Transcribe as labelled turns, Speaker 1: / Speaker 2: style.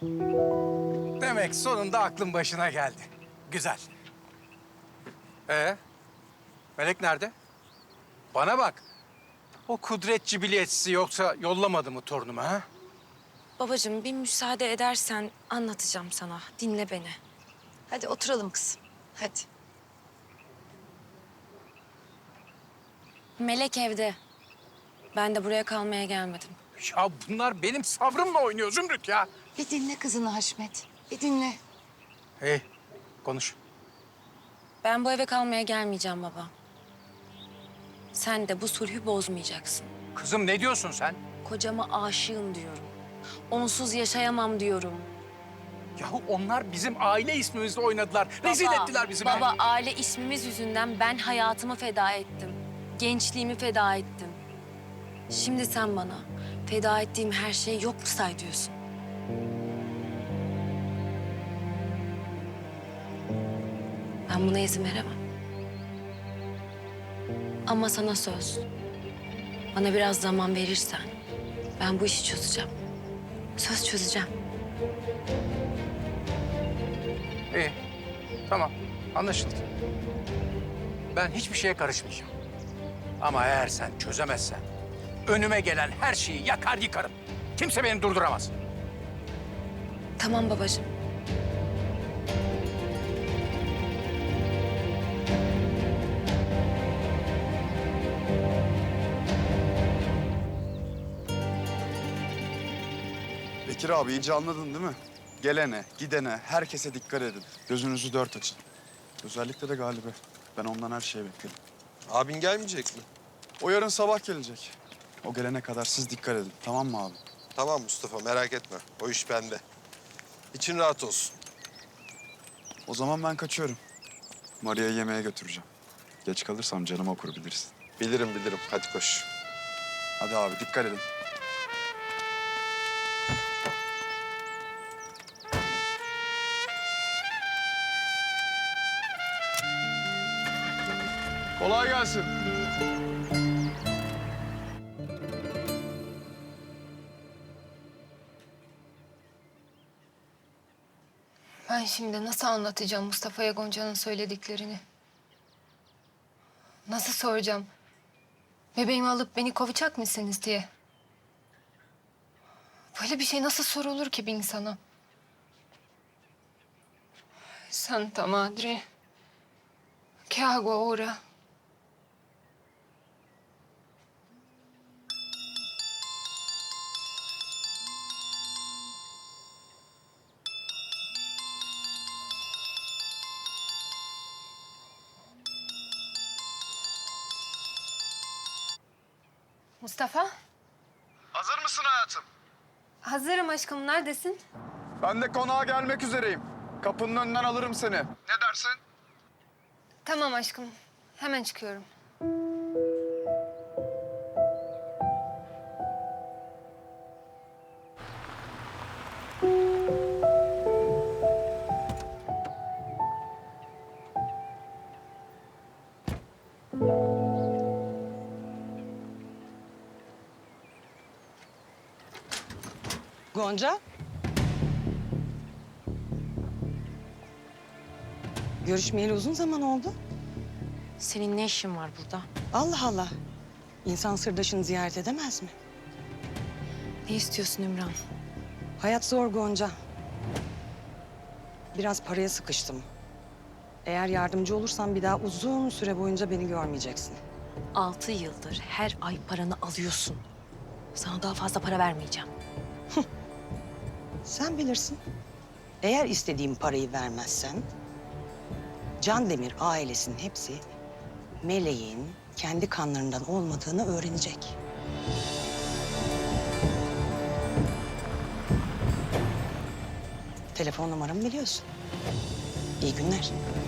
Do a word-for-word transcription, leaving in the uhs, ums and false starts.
Speaker 1: Demek sonunda aklın başına geldi. Güzel. Ee, Melek nerede? Bana bak. O kudretçi biletçisi yoksa yollamadı mı torunumu ha?
Speaker 2: Babacığım bir müsaade edersen anlatacağım sana. Dinle beni.
Speaker 3: Hadi oturalım kızım. Hadi.
Speaker 2: Melek evde. Ben de buraya kalmaya gelmedim.
Speaker 1: Ya bunlar benim sabrımla oynuyor Zümrüt ya.
Speaker 3: Bir dinle kızını Haşmet. Bir dinle.
Speaker 1: Hey, konuş.
Speaker 2: Ben bu eve kalmaya gelmeyeceğim baba. Sen de bu sulhü bozmayacaksın.
Speaker 1: Kızım ne diyorsun sen?
Speaker 2: Kocama aşığım diyorum. Onsuz yaşayamam diyorum.
Speaker 1: Yahu onlar bizim aile ismimizle oynadılar. Rezil
Speaker 2: Baba,
Speaker 1: ettiler bizi.
Speaker 2: Baba, aile ismimiz yüzünden ben hayatımı feda ettim. Gençliğimi feda ettim. Şimdi sen bana feda ettiğim her şeyi yok mu say diyorsun? Ben buna izin veremem. Ama sana söz. Bana biraz zaman verirsen ben bu işi çözeceğim. Söz çözeceğim.
Speaker 1: İyi, tamam. Anlaşıldı. Ben hiçbir şeye karışmayacağım. Ama eğer sen çözemezsen önüme gelen her şeyi yakar yıkarım. Kimse beni durduramaz.
Speaker 2: Tamam babacığım.
Speaker 4: Bekir abi iyice anladın değil mi? Gelene, gidene, herkese dikkat edin. Gözünüzü dört açın. Özellikle de Galip'e. Ben ondan her şeyi bekledim.
Speaker 5: Abin gelmeyecek mi?
Speaker 4: O yarın sabah gelecek. O gelene kadar siz dikkat edin. Tamam mı abi?
Speaker 5: Tamam Mustafa, merak etme. O iş bende. İçin rahat olsun.
Speaker 4: O zaman ben kaçıyorum. Maria'yı yemeğe götüreceğim. Geç kalırsam canım okur bilirsin.
Speaker 5: Bilirim bilirim. Hadi koş.
Speaker 4: Hadi abi dikkat edin. Kolay gelsin.
Speaker 6: Ben şimdi nasıl anlatacağım Mustafa'ya Gonca'nın söylediklerini? Nasıl soracağım? Bebeğimi alıp beni kovacak mısınız diye. Böyle bir şey nasıl sorulur ki bir insana? Santa Madre. ¿Qué hago ahora? Mustafa,
Speaker 4: Hazır mısın hayatım?
Speaker 6: hazırım aşkım. Neredesin?
Speaker 4: Ben de konağa gelmek üzereyim. Kapının önünden alırım seni. Ne dersin?
Speaker 6: Tamam aşkım. Hemen çıkıyorum.
Speaker 7: Gonca? Görüşmeyeli uzun zaman oldu.
Speaker 2: Senin ne işin var burada?
Speaker 7: Allah Allah. İnsan sırdaşını ziyaret edemez mi?
Speaker 2: Ne istiyorsun Ümran?
Speaker 7: Hayat zor Gonca. Biraz paraya sıkıştım. Eğer yardımcı olursan bir daha uzun süre boyunca beni görmeyeceksin.
Speaker 2: Altı yıldır her ay paranı alıyorsun. Sana daha fazla para vermeyeceğim.
Speaker 7: Sen bilirsin. Eğer istediğim parayı vermezsen... Can Demir ailesinin hepsi Meleğin kendi kanlarından olmadığını öğrenecek. Telefon numaramı biliyorsun. İyi günler.